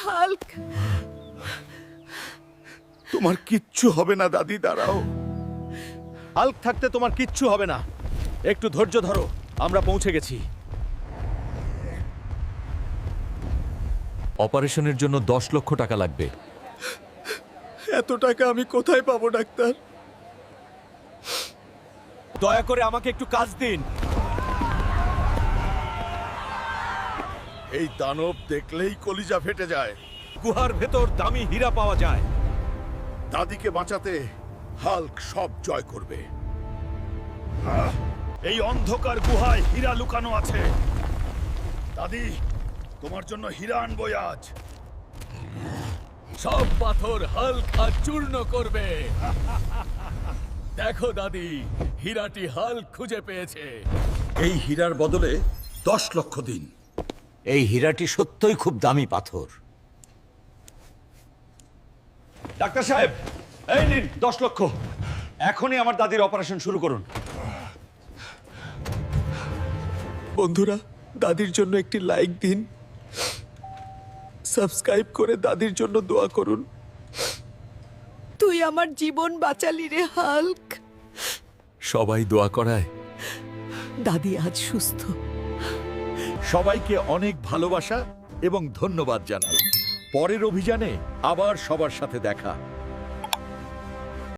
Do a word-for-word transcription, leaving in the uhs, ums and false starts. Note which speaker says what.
Speaker 1: Hulk.
Speaker 2: তোমার কিচ্ছু হবে না দাদি, দাঁড়াও।
Speaker 3: হাল্ক থাকতে তোমার কিচ্ছু হবে না। একটু ধৈর্য ধরো, আমরা পৌঁছে গেছি।
Speaker 4: অপারেশনের জন্য দশ লক্ষ টাকা লাগবে।
Speaker 2: এত টাকা আমি কোথায় পাবো ডাক্তার?
Speaker 3: দয়া করে আমাকে একটু কাজ দিন।
Speaker 2: এই দানব দেখলেই কলিজা ফেটে যায়।
Speaker 3: গুহার ভেতর দামি হীরা পাওয়া যায়।
Speaker 2: দাদিকে বাঁচাতে হাল্ক সব জয় করবে।
Speaker 3: এই অন্ধকার গুহায় হীরা লুকানো আছে।
Speaker 2: দাদি, তোমার জন্য হীরা আনবো আজ।
Speaker 3: সব পাথর হাল্ক আজ চূর্ণ করবে। দেখো দাদি, হীরাটি হাল্ক খুঁজে পেয়েছে।
Speaker 2: এই হীরার বদলে দশ লক্ষ দিন।
Speaker 5: এই হীরাটি সত্যই খুব দামি পাথর।
Speaker 3: ডাক্তার সাহেব, এই নিন দশ লক্ষ। এখনই আমার দাদির অপারেশন শুরু করুন।
Speaker 1: বন্ধুরা, দাদির জন্য একটি লাইক দিন, সাবস্ক্রাইব করে দাদির জন্য দোয়া করুন। তুই আমার জীবন বাঁচালি রে হাল্ক।
Speaker 4: সবাই দোয়া করায়।
Speaker 1: দাদি আজ সুস্থ।
Speaker 2: সবাইকে অনেক ভালোবাসা এবং ধন্যবাদ জানাই। পরের অভিযানে আবার সবার সাথে দেখা।